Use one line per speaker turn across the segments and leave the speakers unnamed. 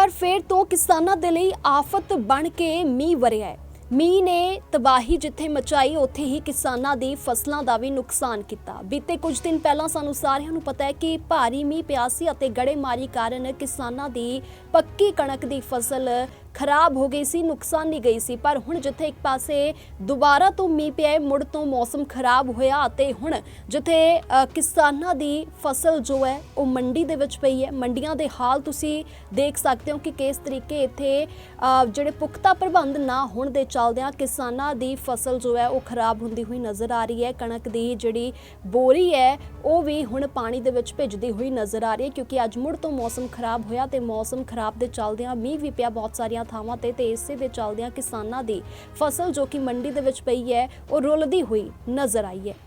ਵਾਰ ਫੇਰ ਤੋਂ ਕਿਸਾਨਾਂ ਦੇ ਲਈ ਆਫਤ ਬਣ ਕੇ ਮੀਂਹ ਵਰਿਆ ਹੈ। ਮੀਂਹ ਨੇ ਤਬਾਹੀ ਜਿੱਥੇ ਮਚਾਈ ਉੱਥੇ ਹੀ ਕਿਸਾਨਾਂ ਦੀ ਫਸਲਾਂ ਦਾ ਵੀ ਨੁਕਸਾਨ ਕੀਤਾ। ਬੀਤੇ ਕੁਝ ਦਿਨ ਪਹਿਲਾਂ ਸਾਨੂੰ ਸਾਰਿਆਂ ਨੂੰ ਪਤਾ ਹੈ ਕਿ ਭਾਰੀ ਮੀਂਹ ਪਿਆ ਸੀ ਅਤੇ ਗੜੇਮਾਰੀ ਕਾਰਨ ਕਿਸਾਨਾਂ ਦੀ ਪੱਕੀ ਕਣਕ ਦੀ ਫਸਲ ਖਰਾਬ ਹੋ ਗਈ ਸੀ, ਨੁਕਸਾਨੀ ਗਈ ਸੀ। ਪਰ ਹੁਣ ਜਿੱਥੇ ਇੱਕ ਪਾਸੇ ਦੁਬਾਰਾ ਤੋਂ ਮੀਂਹ ਪਿਆ, ਮੁੜ ਤੋਂ ਮੌਸਮ ਖਰਾਬ ਹੋਇਆ ਅਤੇ ਹੁਣ ਜਿੱਥੇ ਕਿਸਾਨਾਂ ਦੀ ਫਸਲ ਜੋ ਹੈ ਉਹ ਮੰਡੀ ਦੇ ਵਿੱਚ ਪਈ ਹੈ। ਮੰਡੀਆਂ ਦੇ ਹਾਲ ਤੁਸੀਂ ਦੇਖ ਸਕਦੇ ਹੋ ਕਿ ਕਿਸ ਤਰੀਕੇ ਇੱਥੇ ਜਿਹੜੇ ਪੁਖਤਾ ਪ੍ਰਬੰਧ ਨਾ ਹੋਣ ਦੇ ਚੱਲਦਿਆਂ ਕਿਸਾਨਾਂ ਦੀ ਫਸਲ ਜੋ ਹੈ ਉਹ ਖਰਾਬ ਹੁੰਦੀ ਹੋਈ ਨਜ਼ਰ ਆ ਰਹੀ ਹੈ। ਕਣਕ ਦੀ ਜਿਹੜੀ ਬੋਰੀ ਹੈ ਉਹ ਵੀ ਹੁਣ ਪਾਣੀ ਦੇ ਵਿੱਚ ਭਿੱਜਦੀ ਹੋਈ ਨਜ਼ਰ ਆ ਰਹੀ ਹੈ, ਕਿਉਂਕਿ ਅੱਜ ਮੁੜ ਤੋਂ ਮੌਸਮ ਖਰਾਬ ਹੋਇਆ ਤੇ ਮੌਸਮ ਖਰਾਬ ਦੇ ਚੱਲਦਿਆਂ ਮੀਂਹ ਵੀ ਪਿਆ ਬਹੁਤ ਸਾਰੀਆਂ ਥਾਵਾਂ ਤੇ ਇਸੇ ਦੇ ਚੱਲਦਿਆਂ ਕਿਸਾਨਾਂ ਦੀ ਫਸਲ ਜੋ ਕਿ ਮੰਡੀ ਦੇ ਵਿੱਚ ਪਈ ਹੈ ਉਹ ਰੁਲਦੀ ਹੋਈ ਨਜ਼ਰ ਆਈ ਹੈ।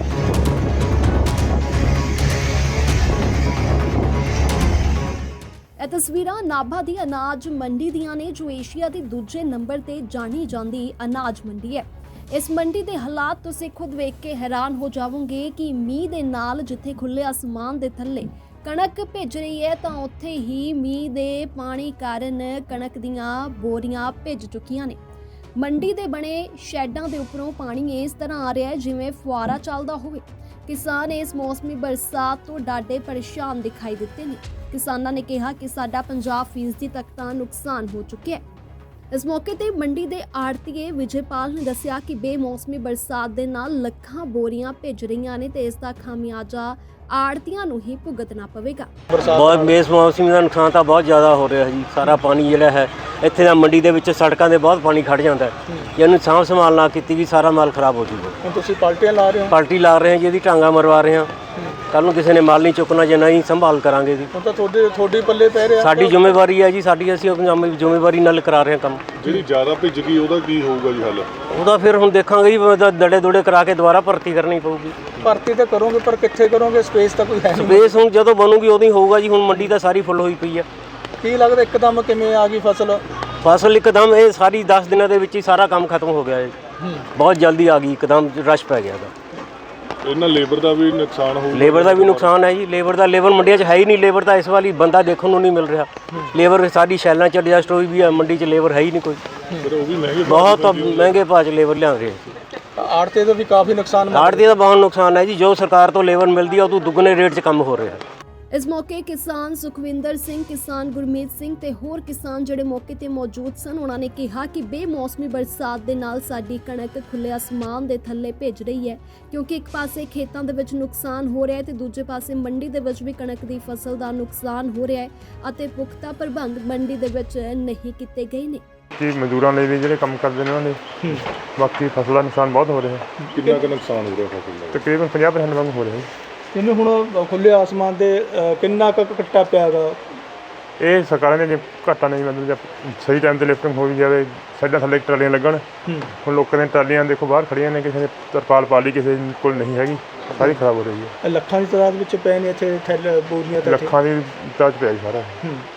ਇਹ ਤਸਵੀਰਾਂ ਨਾਭਾ ਦੀ ਅਨਾਜ ਮੰਡੀ ਦੀਆਂ ਨੇ, ਜੋ ਏਸ਼ੀਆ ਦੇ ਦੂਜੇ ਨੰਬਰ ਤੇ ਜਾਣੀ ਜਾਂਦੀ ਅਨਾਜ ਮੰਡੀ ਹੈ। ਇਸ ਮੰਡੀ ਦੇ ਹਾਲਾਤ ਤੁਸੀਂ ਖੁਦ ਵੇਖ ਕੇ ਹੈਰਾਨ ਹੋ ਜਾਵੋਗੇ ਕਿ ਮੀਂਹ ਦੇ ਨਾਲ ਜਿੱਥੇ ਖੁੱਲੇ ਅਸਮਾਨ ਦੇ ਥੱਲੇ ਕਣਕ ਭਿੱਜ ਰਹੀ ਹੈ ਤਾਂ ਉੱਥੇ ਹੀ ਮੀਂਹ ਦੇ ਪਾਣੀ ਕਾਰਨ ਕਣਕ ਦੀਆਂ ਬੋਰੀਆਂ ਭਿੱਜ ਚੁੱਕੀਆਂ ਨੇ। ਮੰਡੀ ਦੇ ਬਣੇ ਸ਼ੈਡਾਂ ਦੇ ਉੱਪਰੋਂ ਪਾਣੀ ਇਸ ਤਰ੍ਹਾਂ ਆ ਰਿਹਾ ਹੈ ਜਿਵੇਂ ਫੁਆਰਾ ਚੱਲਦਾ ਹੋਵੇ। ਕਿਸਾਨ ਇਸ ਮੌਸਮੀ ਬਰਸਾਤ ਤੋਂ ਡਾਢੇ ਪਰੇਸ਼ਾਨ ਦਿਖਾਈ ਦਿੱਤੇ ਨੇ। ਕਿਸਾਨਾਂ ਨੇ ਕਿਹਾ ਕਿ ਸਾਡਾ 50% ਤੱਕ ਤਾਂ ਨੁਕਸਾਨ ਹੋ ਚੁੱਕਿਆ ਹੈ। ਇਸ ਮੌਕੇ ਤੇ ਮੰਡੀ ਦੇ ਆੜਤੀਏ ਵਿਜੇਪਾਲ ਨੇ ਦੱਸਿਆ ਕਿ ਬੇਮੌਸਮੀ ਬਰਸਾਤ ਦੇ ਨਾਲ ਲੱਖਾਂ ਬੋਰੀਆਂ ਭਿੱਜ ਰਹੀਆਂ ਨੇ ਤੇ ਇਸ ਦਾ ਖਾਮਿਆਜ਼ਾ ਆੜਤੀਆਂ ਨੂੰ ਹੀ ਭੁਗਤਣਾ ਪਵੇਗਾ।
ਬਹੁਤ ਬੇਮੌਸਮੀ ਦਾ ਨੁਕਸਾਨ ਤਾਂ ਬਹੁਤ ਜ਼ਿਆਦਾ ਹੋ ਰਿਹਾ ਜੀ। ਸਾਰਾ ਪਾਣੀ ਜਿਹੜਾ ਹੈ ਇੱਥੇ ਦਾ ਮੰਡੀ ਦੇ ਵਿੱਚ ਸੜਕਾਂ ਦੇ ਬਹੁਤ ਪਾਣੀ ਖੜ ਜਾਂਦਾ ਹੈ। ਜੇ ਇਹਨੂੰ ਸਾਂਭ ਸੰਭਾਲ ਨਾ ਕੀਤੀ ਵੀ ਸਾਰਾ ਮਾਲ ਖਰਾਬ ਹੋ ਜੂਗਾ।
ਹੁਣ ਤੁਸੀਂ ਪਾਲਟੀਆਂ ਲਾ ਰਹੇ ਹੋ?
ਪਾਲਟੀ ਲਾ ਰਹੇ ਹਾਂ ਜੀ, ਇਹਦੀ ਟਾਂਗਾ ਮਰਵਾ ਰਹੇ ਹਾਂ। ਕੱਲ ਨੂੰ ਕਿਸੇ ਨੇ ਮਾਲ ਨਹੀਂ ਚੁੱਕਣਾ ਜੇ ਨਹੀਂ ਸੰਭਾਲ ਕਰਾਂਗੇ ਜੀ।
ਹੁਣ ਤਾਂ ਤੁਹਾਡੇ ਪੱਲੇ ਪੈ ਰਿਹਾ।
ਸਾਡੀ ਜ਼ਿੰਮੇਵਾਰੀ ਹੈ ਜੀ, ਸਾਡੀ ਅਸੀਂ ਆਪਣੀ ਜ਼ਿੰਮੇਵਾਰੀ ਨਾਲ ਕਰਾ ਰਹੇ ਹਾਂ ਕੰਮ।
ਜਿਹੜੀ ਜ਼ਿਆਦਾ ਭਿੱਜ ਗਈ ਉਹਦਾ ਕੀ ਹੋਊਗਾ ਜੀ ਹੱਲ?
ਉਹਦਾ ਫਿਰ ਹੁਣ ਦੇਖਾਂਗੇ ਜੀ, ਦੜੇ ਦੁੜੇ ਕਰਾ ਕੇ ਦੁਬਾਰਾ ਭਰਤੀ ਕਰਨੀ ਪਊਗੀ।
ਭਰਤੀ ਤਾਂ ਕਰੋਗੇ ਪਰ ਕਿੱਥੇ ਕਰੋਗੇ? ਸਪੇਸ ਤਾਂ ਕੋਈ ਹੈ ਨਹੀਂ।
ਸਪੇਸ ਹੁਣ ਜਦੋਂ ਬਣੂਗੀ ਉਦੋਂ ਹੀ ਹੋਊਗਾ ਜੀ। ਹੁਣ ਮੰਡੀ ਤਾਂ ਸਾਰੀ ਫੁੱਲ ਹੋਈ ਪਈ ਹੈ।
ਕੀ ਲੱਗਦਾ ਇੱਕਦਮ ਕਿਵੇਂ ਆ ਗਈ ਫਸਲ?
ਫਸਲ ਇੱਕਦਮ ਇਹ ਸਾਰੀ 10 ਦਿਨਾਂ ਦੇ ਵਿੱਚ ਹੀ ਸਾਰਾ ਕੰਮ ਖਤਮ ਹੋ ਗਿਆ ਹੈ। ਬਹੁਤ ਜਲਦੀ ਆ ਗਈ, ਇੱਕਦਮ ਰਸ਼ ਪੈ ਗਿਆ ਦਾ।
ਇਹਨਾਂ ਲੇਬਰ ਦਾ ਵੀ ਨੁਕਸਾਨ ਹੋਊਗਾ?
ਲੇਬਰ ਦਾ ਵੀ ਨੁਕਸਾਨ ਹੈ ਜੀ। ਲੇਬਰ ਮੰਡੀਆਂ 'ਚ ਹੈ ਹੀ ਨਹੀਂ। ਲੇਬਰ ਤਾਂ ਇਸ ਵਾਰੀ ਬੰਦਾ ਦੇਖਣ ਨੂੰ ਨਹੀਂ ਮਿਲ ਰਿਹਾ। ਲੇਬਰ ਸਾਰੀ ਸ਼ੈਲਾਂ 'ਚ ਐਡਜਸਟ ਹੋਈ ਵੀ ਹੈ, ਮੰਡੀ 'ਚ ਲੇਬਰ ਹੈ ਹੀ ਨਹੀਂ ਕੋਈ।
ਫਿਰ ਉਹ ਵੀ ਮਹਿੰਗੇ,
ਬਹੁਤ ਮਹਿੰਗੇ ਭਾਅ 'ਚ ਲੇਬਰ ਲਿਆ ਰਹੇ ਸੀ।
ਆੜਤੇ ਦਾ ਵੀ ਕਾਫੀ ਨੁਕਸਾਨ।
ਆੜਤੀ ਦਾ ਬਹੁਤ ਨੁਕਸਾਨ ਹੈ ਜੀ। ਜੋ ਸਰਕਾਰ ਤੋਂ ਲੇਬਰ ਮਿਲਦੀ ਹੈ ਉਹ ਤੋਂ ਦੁੱਗਣੇ ਰੇਟ 'ਚ ਕੰਮ ਹੋ ਰਿਹਾ ਹੈ।
ਇਸ ਮੌਕੇ ਕਿਸਾਨ ਸੁਖਵਿੰਦਰ ਸਿੰਘ, ਕਿਸਾਨ ਗੁਰਮੀਤ ਸਿੰਘ ਤੇ ਹੋਰ ਕਿਸਾਨ ਜਿਹੜੇ ਮੌਕੇ ਤੇ ਮੌਜੂਦ ਸਨ, ਉਹਨਾਂ ਨੇ ਕਿਹਾ ਕਿ ਬੇਮੌਸਮੀ ਬਰਸਾਤ ਦੇ ਨਾਲ ਸਾਡੀ ਕਣਕ ਖੁੱਲੇ ਅਸਮਾਨ ਦੇ ਥੱਲੇ ਭਿੱਜ ਰਹੀ ਹੈ, ਕਿਉਂਕਿ ਇੱਕ ਪਾਸੇ ਖੇਤਾਂ ਦੇ ਵਿੱਚ ਨੁਕਸਾਨ ਹੋ ਰਿਹਾ ਹੈ ਤੇ ਦੂਜੇ ਪਾਸੇ ਮੰਡੀ ਦੇ ਵਿੱਚ ਵੀ ਕਣਕ ਦੀ ਫਸਲ ਦਾ ਨੁਕਸਾਨ ਹੋ ਰਿਹਾ ਹੈ ਅਤੇ ਪੁਖਤਾ ਪ੍ਰਬੰਧ ਮੰਡੀ ਦੇ ਵਿੱਚ ਨਹੀਂ ਕੀਤੇ ਗਏ ਨੇ।
ਕਿ ਮਜ਼ਦੂਰਾਂ ਲਈ ਵੀ ਜਿਹੜੇ ਕੰਮ ਕਰਦੇ ਨੇ ਉਹਨਾਂ ਦੇ ਬਾਕੀ ਫਸਲ ਦਾ ਨੁਕਸਾਨ ਬਹੁਤ ਹੋ ਰਿਹਾ ਹੈ।
ਕਿੰਨਾ ਕੁ ਨੁਕਸਾਨ ਹੋ ਰਿਹਾ ਫਸਲ ਦਾ?
ਤਕਰੀਬਨ 50% ਵਾਂਗ ਹੋ ਰਿਹਾ ਹੈ।
ਜਿਵੇਂ ਹੁਣ ਖੁੱਲੇ ਆਸਮਾਨ ਦੇ ਕਿੰਨਾ ਕੁ ਕੱਟਾ ਪਿਆ ਗਾ?
ਇਹ ਸਰਕਾਰਾਂ ਦੇ ਘਾਟਾ ਨਹੀਂ, ਮਤਲਬ ਜੇ ਸਹੀ ਟਾਈਮ 'ਤੇ ਲਿਫਟਿੰਗ ਹੋ ਵੀ ਜਾਵੇ, ਸਾਈਡਾਂ ਥੱਲੇ ਟਰਾਲੀਆਂ ਲੱਗਣ। ਹੁਣ ਲੋਕਾਂ ਦੀਆਂ ਟਰਾਲੀਆਂ ਦੇਖੋ ਬਾਹਰ ਖੜੀਆਂ ਨੇ, ਕਿਸੇ ਨੇ ਤਰਪਾਲ ਪਾ ਲਈ, ਕਿਸੇ ਕੋਲ ਨਹੀਂ ਹੈਗੀ, ਸਾਰੀ ਖਰਾਬ ਹੋ ਰਹੀ ਹੈ।
ਲੱਖਾਂ ਦੀ ਤਾਦਾਦ ਵਿੱਚ ਪਏ ਨੇ ਇੱਥੇ ਥੈਲੇ ਬੋਰੀਆਂ ਤਾਂ?
ਲੱਖਾਂ ਦੀ ਤਾਜ ਪਿਆ ਜੀ ਸਾਰਾ।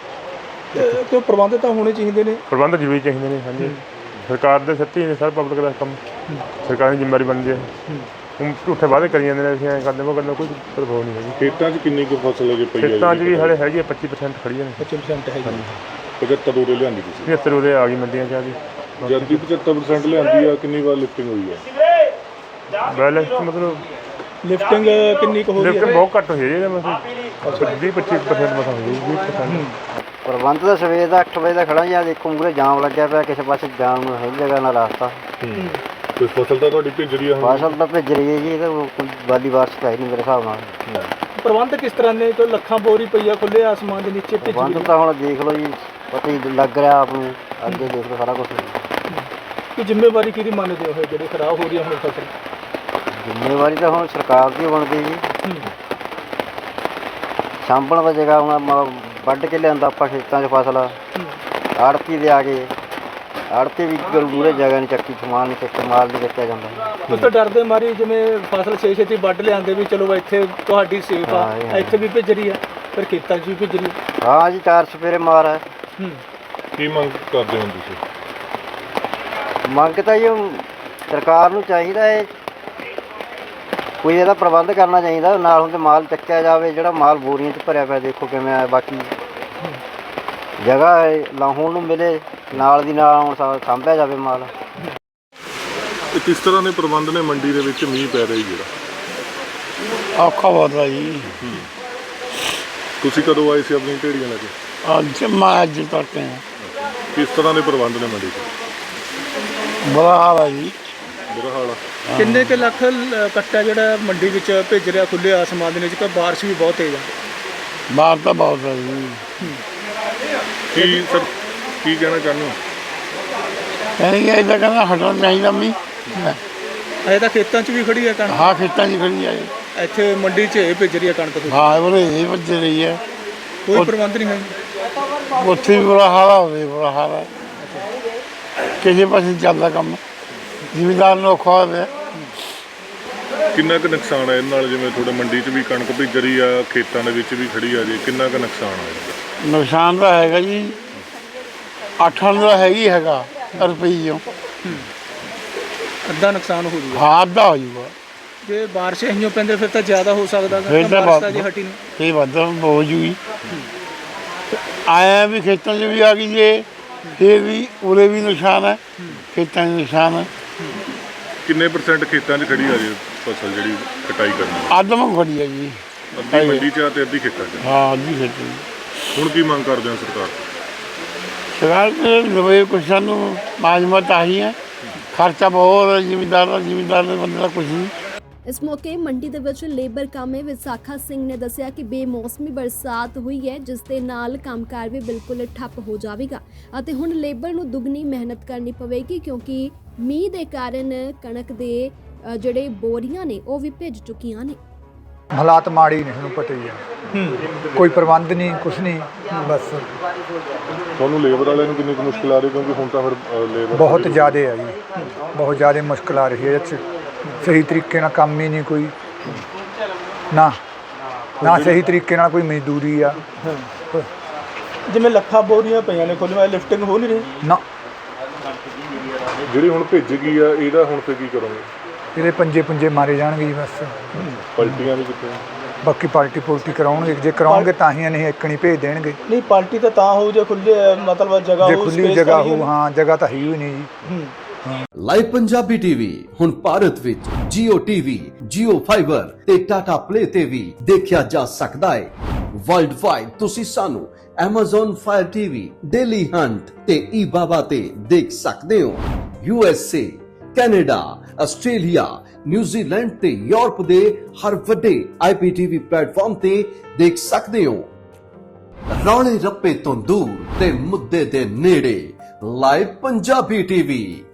ਤੇ ਪ੍ਰਬੰਧ ਤਾਂ ਹੋਣੇ ਚਾਹੀਦੇ ਨੇ।
ਪ੍ਰਬੰਧ ਜ਼ਰੂਰੀ ਚਾਹੀਦੇ ਨੇ। ਹਾਂਜੀ, ਸਰਕਾਰ ਦੇ ਸੱਚੀ ਨੇ, ਸਾਰਾ ਪਬਲਿਕ ਦਾ ਕੰਮ ਸਰਕਾਰ ਦੀ ਜ਼ਿੰਮੇਵਾਰੀ ਬਣਦੀ ਹੈ। ਹੁਣ ਝੂਠੇ ਵਾਅਦੇ ਕਰੀ ਜਾਂਦੇ ਨੇ, ਅਸੀਂ ਐਂ ਕਰਦੇ ਉਹ ਗੱਲ ਕੋਈ ਪ੍ਰਭਾਵ ਨਹੀਂ ਹੈਗੀ।
ਖੇਤਾਂ 'ਚ ਕਿੰਨੀ ਕੁ ਫਸਲ ਅਜੇ ਪਈ ਹੈ?
ਖੇਤਾਂ 'ਚ ਵੀ ਹਾਲੇ ਹੈਗੀ ਹੈ 25% ਖੜੀਆਂ ਨੇ।
25% ਹੈਗੀ।
75 ਉਰੇ ਲਿਆਂਦੀ ਤੁਸੀਂ?
75 ਉਹਦੇ ਆ ਗਈ ਮੰਡੀਆਂ 'ਚ ਆ ਗਈ।
ਜਦ ਦੀ 75% ਲਿਆਂਦੀ ਆ, ਕਿੰਨੀ ਵਾਰ ਲਿਫਟਿੰਗ ਹੋਈ ਹੈ?
ਬੈਲੈਂਸ ਮਤਲਬ
ਲਿਫਟਿੰਗ ਕਿੰਨੀ ਕੁ ਹੋ ਰਹੀ ਹੈ?
ਲਿਫਟਿੰਗ ਬਹੁਤ ਘੱਟ ਹੋਈ ਹੈ ਜੀ। ਮਤਲਬ 20-25% ਮਸਾਂ ਹੋਈ ਹੈ। 20%।
ਪ੍ਰਬੰਧ ਤਾਂ ਸਵੇਰ ਦਾ 8 ਵਜੇ ਦਾ ਖੜਾ ਜਾਂ ਦੇਖੋ ਮੂਹਰੇ ਜਾਮ ਲੱਗਿਆ ਪਿਆ, ਕਿਸੇ ਪਾਸੇ ਜਾਣ ਨੂੰ ਹੈ ਜਗ੍ਹਾ ਨਾ ਰਸਤਾ।
ਕੋਈ ਫਸਲ ਤਾਂ ਤੁਹਾਡੀ ਭਿੱਜ ਰਹੀ ਆ?
ਫਸਲ ਤਾਂ ਭਿੱਜ ਰਹੀ ਹੈ ਜੀ, ਇਹਦਾ ਕੋਈ ਵਾਲੀ ਬਾਰਿਸ਼ ਤਾਂ ਹੈ ਨਹੀਂ ਮੇਰੇ ਹਿਸਾਬ ਨਾਲ।
ਪ੍ਰਬੰਧ ਕਿਸ ਤਰ੍ਹਾਂ ਨੇ? ਕੋਈ ਲੱਖਾਂ ਬੋਰੀ ਪਈ ਆ ਖੁੱਲੇ ਆਸਮਾਨ ਦੇ ਨੀਚੇ ਭਿੱਜ
ਪ੍ਰਬੰਧ
ਗਈ।
ਤਾਂ ਹੁਣ ਦੇਖ ਲਓ ਜੀ, ਪਤਾ ਹੀ ਲੱਗ ਰਿਹਾ ਆਪ ਨੂੰ, ਅੱਗੇ ਦੇਖ ਲਓ ਸਾਰਾ ਕੁਛ।
ਕੀ ਜ਼ਿੰਮੇਵਾਰੀ ਕਿਹਦੀ ਮੰਨਦੇ ਹੋ ਜਿਹੜੀ ਖਰਾਬ ਹੋ ਰਹੀ ਹੈ ਹੁਣ ਫਸਲ?
ਜ਼ਿੰਮੇਵਾਰੀ ਤਾਂ ਹੁਣ ਸਰਕਾਰ ਦੀ ਬਣਦੀ ਜੀ। ਸਾਂਭਣ ਦਾ ਜਗ੍ਹਾ ਹੁਣ ਵੱਢ ਕੇ ਲਿਆਂਦਾ ਆਪਾਂ ਖੇਤਾਂ 'ਚ ਫਸਲ, ਆੜਤੀ ਦੇ ਆ ਗਏ, ਆੜਤੀ ਵੀ ਮੂਹਰੇ ਜਗ੍ਹਾ ਨਹੀਂ ਚੱਕੀ, ਸਮਾਨ ਨਹੀਂ ਚੱਕਿਆ, ਮਾਲ ਨਹੀਂ ਚੱਕਿਆ ਜਾਂਦਾ।
ਉਸ ਤੋਂ ਡਰਦੇ ਮਾਰੀ ਜਿਵੇਂ ਫਸਲ ਛੇਤੀ ਵੱਢ ਲਿਆਂਦੇ ਵੀ ਚਲੋ ਇੱਥੇ ਤੁਹਾਡੀ ਸੇਫ ਆ, ਇੱਥੇ ਵੀ ਭਿੱਜ ਰਹੀ ਆ, ਫਿਰ ਖੇਤਾਂ 'ਚ ਵੀ ਭਿੱਜ ਰਹੀ।
ਹਾਂ ਜੀ, 4 ਸਪੇਰੇ ਮਾਰ ਹੈ।
ਕੀ ਮੰਗ ਕਰਦੇ ਹੋ ਤੁਸੀਂ?
ਮੰਗ ਤਾਂ ਜੀ ਸਰਕਾਰ ਨੂੰ ਚਾਹੀਦਾ ਹੈ ਕੋਈ ਇਹਦਾ ਪ੍ਰਬੰਧ ਕਰਨਾ ਚਾਹੀਦਾ, ਨਾਲ ਹੁੰਦੇ ਮਾਲ ਚੱਕਿਆ ਜਾਵੇ। ਜਿਹੜਾ ਮਾਲ ਬੋਰੀਆਂ 'ਚ ਭਰਿਆ ਪਿਆ ਦੇਖੋ ਕਿਵੇਂ ਆ, ਬਾਕੀ ਜਗ੍ਹਾ ਲਾਹੌਣ ਨੂੰ ਮਿਲੇ, ਨਾਲ ਦੀ ਨਾਲ ਹੁਣ ਸਾਂਭਿਆ ਜਾਵੇ ਮਾਲ।
ਤੇ ਕਿਸ ਤਰ੍ਹਾਂ ਦੇ ਪ੍ਰਬੰਧ ਨੇ ਮੰਡੀ ਦੇ ਵਿੱਚ ਮੀਂਹ ਪੈ ਰਿਹਾ ਜਿਹੜਾ?
ਔਖਾ ਬਹੁਤ ਆ ਜੀ।
ਤੁਸੀਂ ਕਦੋਂ ਆਏ ਸੀ ਆਪਣੀ ਢੇੜੀਆਂ ਲੈ ਕੇ?
ਅੱਜ ਤੱਕ
ਕਿਸ ਤਰ੍ਹਾਂ ਦੇ ਪ੍ਰਬੰਧ ਨੇ ਮੰਡੀ 'ਚ?
ਬੁਰਾ ਹਾਲ ਆ ਜੀ।
ਬੁਰਾ ਹਾਲ ਆ।
ਕਿੰਨੇ ਕੁ ਲੱਖ ਕੱਟਾ ਜਿਹੜਾ ਮੰਡੀ ਵਿੱਚ ਭੇਜ ਰਿਹਾ ਖੁੱਲੇ ਆਸਮਾਨ ਦੇ ਵਿੱਚ, ਕਿ ਬਾਰਿਸ਼ ਵੀ ਬਹੁਤ ਤੇਜ਼ ਆ?
ਬਾਹਰ ਤਾਂ ਬਹੁਤ ਆ ਜੀ।
ਕੀ ਸਰ ਕੀ ਕਹਿਣਾ ਚਾਹੁੰਦੇ ਹੋ?
ਕਹਿੰਦੇ ਇਹਦਾ ਕਹਿੰਦਾ ਹਟਣਾ ਚਾਹੀਦਾ ਮੀਂਹ।
ਅਜੇ ਤਾਂ ਖੇਤਾਂ 'ਚ ਵੀ ਖੜੀ ਹੈ ਕਣਕ,
ਹਾਂ ਖੇਤਾਂ 'ਚ ਖੜੀ ਆ ਜੀ।
ਇੱਥੇ ਮੰਡੀ 'ਚ ਇਹ ਭੇਜ ਰਹੀ ਹੈ ਕਣਕ ਤੁਹਾਡੀ।
ਹਾਂ ਉਹਨੇ ਇਹ ਵੱਜ ਰਹੀ ਹੈ।
ਕੋਈ ਪ੍ਰਬੰਧ ਨਹੀਂ ਹੈ?
ਉੱਥੇ ਵੀ ਬੁਰਾ ਹਾਲ ਆ, ਹੋਵੇ ਬੁਰਾ ਹਾਲ ਆ। ਕਿਸੇ ਪਾਸੇ ਚੱਲਦਾ ਕੰਮ, ਜ਼ਿਮੀਂਦਾਰ ਨੂੰ ਔਖਾ ਹੋਇਆ ਪਿਆ।
ਕਿੰਨਾ ਕੁ ਨੁਕਸਾਨ ਹੈ ਇਹਦੇ ਨਾਲ? ਜਿਵੇਂ ਤੁਹਾਡੇ ਮੰਡੀ 'ਚ ਵੀ ਕਣਕ ਭਿੱਜ ਰਹੀ ਆ, ਖੇਤਾਂ ਦੇ ਵਿੱਚ ਵੀ ਖੜੀ ਆ, ਜੀ ਕਿੰਨਾ ਕੁ ਨੁਕਸਾਨ ਆ ਇਹਦਾ?
ਨੁਕਸਾਨ ਤਾਂ ਹੈਗਾ ਜੀ, 8 ਦਾ ਹੈਗਾ ਰੁਪਈਓ।
ਅੱਧਾ ਨੁਕਸਾਨ ਹੋ ਜੂਗਾ।
ਹਾਂ ਅੱਧਾ ਹੋ ਜੂਗਾ।
ਜੇ ਬਾਰਿਸ਼ ਇਹੀਓ ਪੈਂਦੇ ਫਿਰ ਤਾਂ ਜ਼ਿਆਦਾ ਹੋ ਸਕਦਾ ਗਾ।
ਫਿਰ ਤਾਂ
ਬਾਰਿਸ਼ ਤਾਂ ਜੇ ਹਟੀ ਨੂੰ
ਇਹ ਵੱਧ ਹੋ ਜੂਗੀ। ਆਇਆ ਵੀ ਖੇਤਾਂ 'ਚ ਵੀ ਆ ਗਈ ਜੇ, ਫਿਰ ਵੀ ਉਰੇ ਵੀ ਨੁਕਸਾਨ ਹੈ, ਖੇਤਾਂ 'ਚ ਨੁਕਸਾਨ ਹੈ।
ਕਿੰਨੇ % ਖੇਤਾਂ 'ਚ ਖੜੀ ਆ ਜੀ ਫਸਲ ਜਿਹੜੀ ਕਟਾਈ ਕਰਨੀ?
ਆਦਮ ਖੜੀ ਹੈ ਜੀ।
ਅੱਧੀ ਮੰਡੀ 'ਚ ਆ ਤੇ ਅੱਧੀ ਖੇਤਾਂ 'ਚ।
ਹਾਂ ਅੱਧੀ ਖੇਤੀ।
ਹੁਣ ਕੀ ਮੰਗ ਕਰਦੇ ਹੋ ਸਰਕਾਰ ਤੋਂ?
ਸਰਕਾਰ ਦੇ ਨਵੇਂ ਕੁਛ ਸਾਨੂੰ ਮਾਜਮਤ ਆਹੀ ਹੈ। ਖਰਚਾ ਬਹੁਤ ਜ਼ਿਮੀਂਦਾਰ ਦੇ ਬੰਦੇ ਦਾ ਕੁਛ ਨਹੀਂ।
ਇਸ ਮੌਕੇ ਮੰਡੀ ਦੇ ਵਿੱਚ ਲੇਬਰ ਕਾਮੇ ਵਿਸਾਖਾ ਸਿੰਘ ਨੇ ਦੱਸਿਆ ਕਿ ਬੇਮੌਸਮੀ ਬਰਸਾਤ ਹੋਈ ਹੈ, ਜਿਸ ਦੇ ਨਾਲ ਕੰਮਕਾਰ ਵੀ ਬਿਲਕੁਲ ਠੱਪ ਹੋ ਜਾਵੇਗਾ ਅਤੇ ਹੁਣ ਲੇਬਰ ਨੂੰ ਦੁੱਗਣੀ ਮਿਹਨਤ ਕਰਨੀ ਪਵੇਗੀ, ਕਿਉਂਕਿ ਮੀਂਹ ਦੇ ਕਾਰਨ ਕਣਕ ਦੇ ਜਿਹੜੇ ਬੋਰੀਆਂ ਨੇ ਉਹ ਵੀ ਭਿੱਜ ਚੁੱਕੀਆਂ ਨੇ।
ਹਾਲਾਤ ਮਾੜੇ ਨੇ, ਤੁਹਾਨੂੰ ਪਤਾ ਹੀ ਹੈ। ਕੋਈ ਪ੍ਰਬੰਧ ਨਹੀਂ, ਕੁਛ ਨਹੀਂ, ਬਸ
ਤੁਹਾਨੂੰ ਲੇਬਰ ਵਾਲਿਆਂ ਨੂੰ ਕਿੰਨੀ ਕੁ ਮੁਸ਼ਕਿਲ ਆ ਰਹੀ? ਕਿਉਂਕਿ ਹੁਣ ਤਾਂ ਫਿਰ ਲੇਬਰ
ਬਹੁਤ ਜ਼ਿਆਦਾ ਹੈ ਜੀ, ਬਹੁਤ ਜ਼ਿਆਦਾ ਮੁਸ਼ਕਿਲ ਆ ਰਹੀ ਹੈ। ਇਹ 'ਚ ਸਹੀ ਤਰੀਕੇ ਨਾਲ ਕੰਮ ਹੀ ਨਹੀਂ ਕੋਈ, ਨਾ ਸਹੀ ਤਰੀਕੇ ਨਾਲ ਕੋਈ ਮਜ਼ਦੂਰੀ ਆ।
ਜਿਵੇਂ ਲੱਖਾਂ ਬੋਰੀਆਂ ਪਈਆਂ ਨੇ ਖੁੱਲ੍ਹ ਲਿਫਟਿੰਗ ਹੋ ਨਹੀਂ ਰਹੀ
ਨਾ।
ਜਿਹੜੀ ਹੁਣ ਭਿੱਜ ਗਈ ਆ, ਇਹਦਾ ਹੁਣ ਤੇ ਕੀ ਕਰੋਗੇ?
ਇਹਦੇ ਪੰਜੇ ਮਾਰੇ ਜਾਣਗੇ ਜੀ ਬਸ।
ਪਲਟੀਆਂ ਵੀ ਕਿੱਥੇ?
ਬਾਕੀ ਪਾਰਟੀ ਕਰਾਉਣਗੇ, ਜੇ ਕਰਾਉਣਗੇ ਤਾਂ ਹੀ ਨਹੀਂ ਇੱਕਣੀ ਭੇਜ ਦੇਣਗੇ।
ਨਹੀਂ ਪਾਰਟੀ ਤਾਂ ਹੋਊ ਜੇ ਖੁੱਲੇ ਮਤਲਬ ਜਗ੍ਹਾ
ਜੇ
ਹੋਊ,
ਖੁੱਲੀ
space
ਜਗ੍ਹਾ
ਤਾਂ ਹੀ
ਹੋ, ਹਾਂ ਜਗ੍ਹਾ ਤਾਂ ਹੈ ਹੀ ਨਹੀਂ ਜੀ।
ਲਾਈਵ ਪੰਜਾਬੀ ਟੀਵੀ ਹੁਣ ਭਾਰਤ ਵਿੱਚ Jio TV, Jio Fiber ਤੇ Tata Play ਤੇ ਵੀ ਦੇਖਿਆ ਜਾ ਸਕਦਾ ਹੈ। ਵਰਲਡ ਵਾਈਡ ਤੁਸੀਂ ਸਾਨੂੰ Amazon Fire TV, Daily Hunt ਤੇ eBaba ਤੇ ਦੇਖ ਸਕਦੇ ਹੋ। USA, ਕੈਨੇਡਾ, ਆਸਟ੍ਰੇਲੀਆ, ਨਿਊਜ਼ੀਲੈਂਡ ਤੇ ਯੂਰਪ ਦੇ ਹਰ ਵੱਡੇ IPTV ਪਲੇਟਫਾਰਮ ਤੇ ਦੇਖ ਸਕਦੇ ਹੋ। ਰੌਲੇ ਰੱਪੇ ਤੋਂ ਦੂਰ ਤੇ ਮੁੱਦੇ ਦੇ ਨੇੜੇ ਲਾਈਵ ਪੰਜਾਬੀ ਟੀਵੀ।